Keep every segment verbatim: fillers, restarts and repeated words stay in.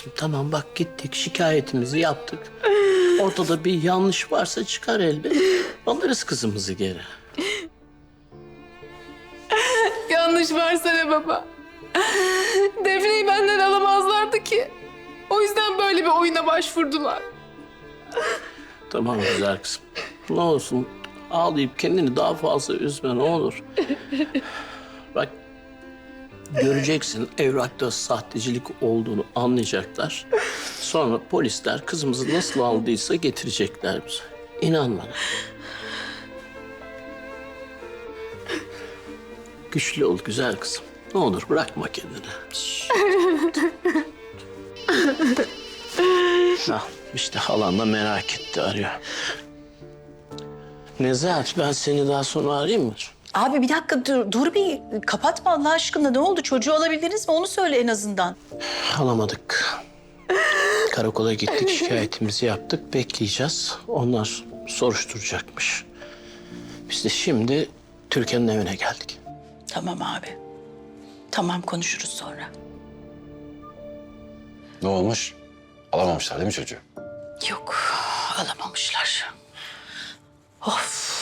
kızım tamam bak gittik şikayetimizi yaptık. Ortada bir yanlış varsa çıkar elbet. Alırız kızımızı geri. Yanlış varsa ne baba? Defne'yi benden alamazlardı ki. O yüzden böyle bir oyuna başvurdular. Tamam güzel kızım. Ne olsun ağlayıp kendini daha fazla üzme ne olur. Bak göreceksin evrakta sahtecilik olduğunu anlayacaklar. Sonra polisler kızımızı nasıl aldıysa getirecekler bize. İnan bana. Güçlü ol güzel kızım. Ne olur bırakma kendini. Ha, işte halan da merak etti arıyor. Nezahat ben seni daha sonra arayayım mı? Abi bir dakika dur, dur bir kapatma Allah aşkına. Ne oldu? Çocuğu alabildiniz mi? Onu söyle en azından. Alamadık. Karakola gittik, şikayetimizi yaptık. Bekleyeceğiz. Onlar soruşturacakmış. Biz de şimdi Türkan'ın evine geldik. Tamam abi. Tamam konuşuruz sonra. Ne olmuş? Alamamışlar değil mi çocuğu? Yok alamamışlar. Of.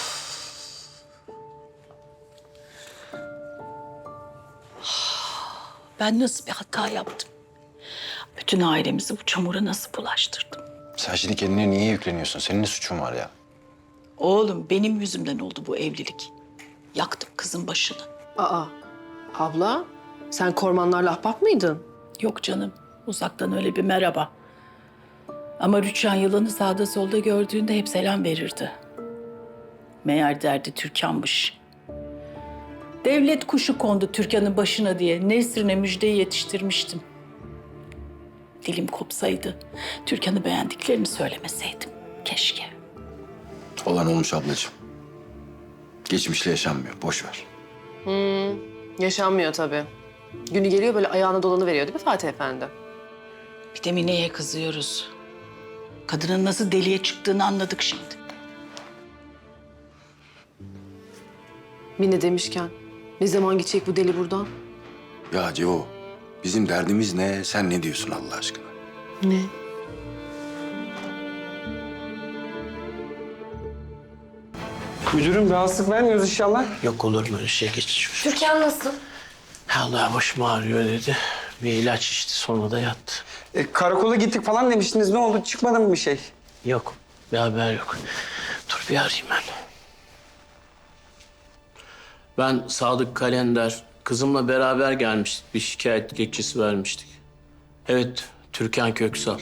Ben nasıl bir hata yaptım? Bütün ailemizi bu çamura nasıl bulaştırdım? Sen şimdi kendine niye yükleniyorsun? Senin ne suçun var ya? Oğlum benim yüzümden oldu bu evlilik. Yaktım kızın başını. Aa, abla sen Kormanlarla ahbap mıydın? Yok canım, uzaktan öyle bir merhaba. Ama Rüçhan yılanı sağda solda gördüğünde hep selam verirdi. Meğer derdi Türkan'mış. Devlet kuşu kondu Türkan'ın başına diye Nesrin'e müjdeyi yetiştirmiştim. Dilim kopsaydı, Türkan'ı beğendiklerini söylemeseydim. Keşke. Olan olmuş ablacığım. Geçmişle yaşanmıyor. Boş ver. Yaşanmıyor tabii. Günü geliyor böyle ayağına dolanı veriyor değil mi Fatih Efendi? Bir de Mine'ye kızıyoruz. Kadının nasıl deliye çıktığını anladık şimdi. Mine demişken ne zaman gidecek bu deli buradan? Ya Cevo, bizim derdimiz ne? Sen ne diyorsun Allah aşkına? Ne? Müdürüm rahatsızlık vermiyoruz inşallah. Yok olur mu öyle şey geç çocuğum. Türkan nasıl? Allah başım ağrıyor dedi. Bir ilaç içti sonra da yattı. E, karakola gittik falan demiştiniz. Ne oldu? Çıkmadı mı bir şey? Yok bir haber yok. Dur bir arayayım ben. Ben Sadık Kalender. Kızımla beraber gelmiştik. Bir şikayet dilekçesi vermiştik. Evet, Türkan Köksal.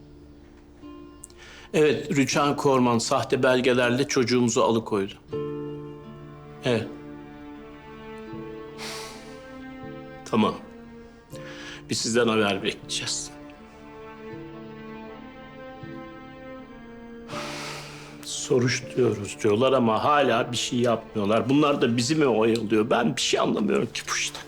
Evet, Rüçhan Korman sahte belgelerle çocuğumuzu alıkoydu. Evet. Tamam. Biz sizden haber bekleyeceğiz. Soruşturuyoruz diyorlar ama hala bir şey yapmıyorlar. Bunlar da bizi mi oyalıyor? Ben bir şey anlamıyorum ki bu işten.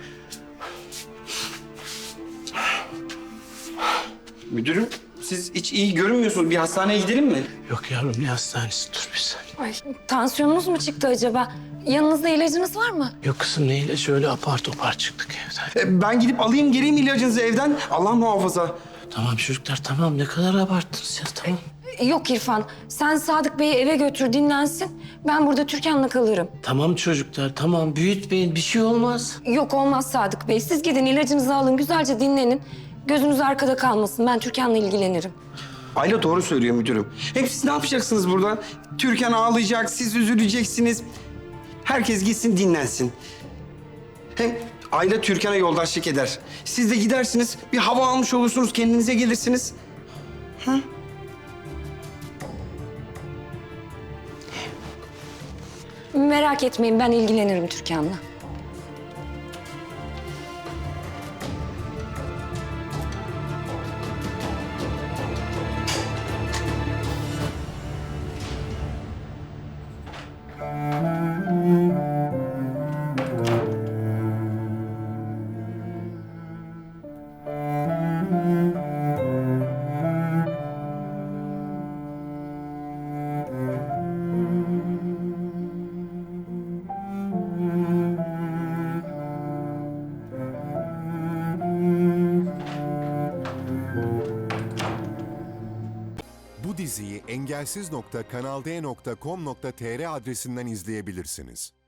Müdürüm siz hiç iyi görünmüyorsunuz. Bir hastaneye gidelim mi? Yok yavrum ne hastanesi dur bir saniye. Ay, tansiyonunuz mu çıktı acaba? Yanınızda ilacınız var mı? Yok kızım neyle şöyle apar topar çıktık evden. E, ben gidip alayım geleyim ilacınızı evden. Allah muhafaza. Tamam çocuklar tamam ne kadar abarttınız ya tamam. Yok İrfan, sen Sadık Bey'i eve götür dinlensin. Ben burada Türkan'la kalırım. Tamam çocuklar tamam büyütmeyin bir şey olmaz. Yok olmaz Sadık Bey. Siz gidin ilacınızı alın, güzelce dinlenin. Gözünüz arkada kalmasın. Ben Türkan'la ilgilenirim. Ayla doğru söylüyor müdürüm. Hem siz ne yapacaksınız burada? Türkan ağlayacak, siz üzüleceksiniz. Herkes gitsin dinlensin. Hem Ayla Türkan'a yoldaşlık eder. Siz de gidersiniz, bir hava almış olursunuz, kendinize gelirsiniz. Merak etmeyin, ben ilgilenirim Türkan'la. Bu diziyi engelsiz nokta kanalde nokta com nokta tr adresinden izleyebilirsiniz.